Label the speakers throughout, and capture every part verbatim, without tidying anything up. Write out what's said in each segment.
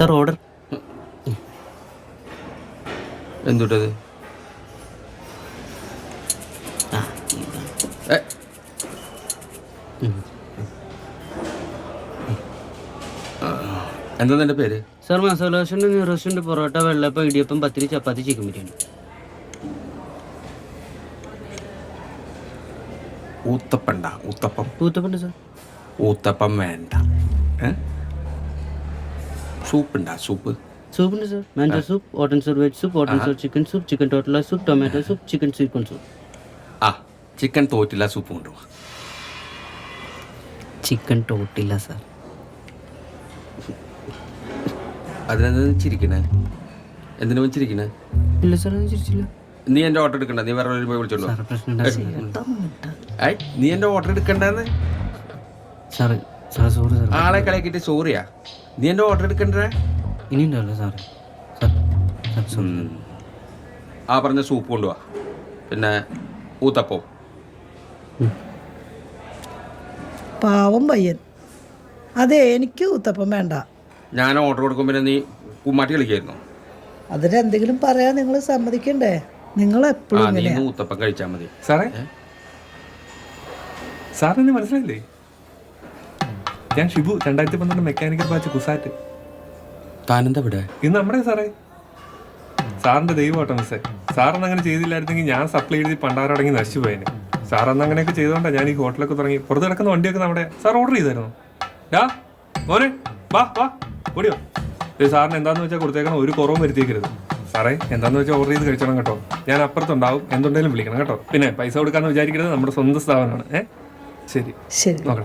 Speaker 1: Sir order.
Speaker 2: എന്തുട്ടത്? എന്താ നിന്റെ പേര്?
Speaker 1: Sir masala dosa, restaurant, parotta, vellappam, idiyappam, pathiri, chapati, chicken biryani.
Speaker 2: ഊത്തപ്പണ്ട? ഊത്തപ്പം
Speaker 1: ഊത്തപ്പുണ്ട് സാർ.
Speaker 2: ഊത്തപ്പം വേണ്ട. സൂപ്പുണ്ടാ? സൂപ്പ്
Speaker 1: സൂപ്പുണ്ട് sir. Manchow soup, hot and sour veg soup, hot and sour chicken soup, chicken tortilla soup, tomato soup, chicken sweet soup.
Speaker 2: ആ ചിക്കൻ തോറ്റില്ല സൂപ്പ് കൊണ്ടുപോവാ.
Speaker 1: Chicken tortilla sir.
Speaker 2: അതിനെന്താ ചിരിക്കണേ? എന്തിനാ ചിരിക്കണേ?
Speaker 1: ഇല്ല സാർ, അത് ചിരിച്ചില്ല.
Speaker 2: നീ എന്റെ ഓർഡർ എടുക്കണ്ട, നീ വേറെ പോയി വിളിച്ചോണ്ടോ.
Speaker 1: സാർ പ്രശ്നം
Speaker 2: നീ എന്റെ ഓർഡർ എടുക്കണ്ടെന്ന്.
Speaker 1: Sir sir sorry sir.
Speaker 2: ആളെ കളിയാക്കിട്ട് സോറിയാ? നീ എന്റെ ഓർഡർ എടുക്കണ്ടേ?
Speaker 1: ഇനി ഉണ്ടല്ലോ സാർ. Sir sir sorry.
Speaker 2: ആ പറഞ്ഞ സൂപ്പ് കൊണ്ടുപോവാ, പിന്നെ ഊത്തപ്പം.
Speaker 3: പാവം പയ്യൻ. അതെ, എനിക്ക് ഊത്തപ്പം വേണ്ട.
Speaker 2: ഞാൻ ഓർഡർ കൊടുക്കും, പിന്നെ നീ കുമ്മാട്ടി കളിക്കായിരുന്നു.
Speaker 3: അതിനെന്തെങ്കിലും പറയാൻ നിങ്ങൾ സമ്മതിക്കണ്ടേ? നിങ്ങൾ എപ്പോഴും
Speaker 2: നീ ഊത്തപ്പം കഴിച്ചാൽ മതി.
Speaker 4: സാറേ, സാറിന് മനസ്സിലായില്ലേ? ഞാൻ ഷിബു, രണ്ടായിരത്തി പന്ത്രണ്ട് മെക്കാനിക്കൽ ബാച്ച് കുസാറ്റ്.
Speaker 2: താനെന്താ ഇവിടെ?
Speaker 4: ഇന്ന് നമ്മുടെ സാറേ, സാറിന്റെ ദൈവമാട്ടോ മിസ്സേ. സാറന്ന് അങ്ങനെ ചെയ്തില്ലായിരുന്നെങ്കിൽ ഞാൻ സപ്ലൈ എഴുതി പണ്ടാരടങ്ങി നശിച്ചു പോയേനെ. സാറന്ന് അങ്ങനെയൊക്കെ ചെയ്തോണ്ടാ ഞാൻ ഈ ഹോട്ടലൊക്കെ തുടങ്ങി. പുറത്ത് കിടക്കുന്ന വണ്ടിയൊക്കെ നമ്മുടെ സാർ ഓർഡർ ചെയ്തായിരുന്നു. ഡാ മോനെ, വാ വാ ഓടിയോ. സാറിന് എന്താന്ന് വെച്ചാൽ കൊടുത്തേക്കണം, ഒരു കുറവും വരുത്തിയേക്കരുത്. സാറേ, എന്താന്ന് വെച്ചാൽ ഓർഡർ ചെയ്ത് കഴിച്ചോണം കേട്ടോ. ഞാൻ അപ്പുറത്തുണ്ടാവും, എന്തുണ്ടെങ്കിലും വിളിക്കണം കേട്ടോ. പിന്നെ പൈസ കൊടുക്കാന്ന് വിചാരിക്കരുത്, നമ്മുടെ സ്വന്തം സ്ഥാപനമാണ്. ഏ ശരി
Speaker 3: ശരി,
Speaker 4: നോക്കണം.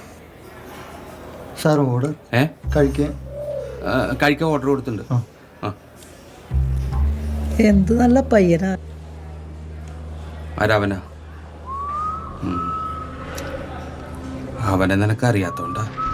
Speaker 5: സാർ ഓർഡർ
Speaker 2: ഏ
Speaker 5: കഴിക്കാൻ
Speaker 2: കഴിക്കാൻ ഓർഡർ കൊടുത്തിട്ടുണ്ട്. ആ
Speaker 3: എന്ത് നല്ല പയ്യനാ.
Speaker 2: ആരാവനാ? അവനെ നിനക്കറിയാത്തോണ്ടാ.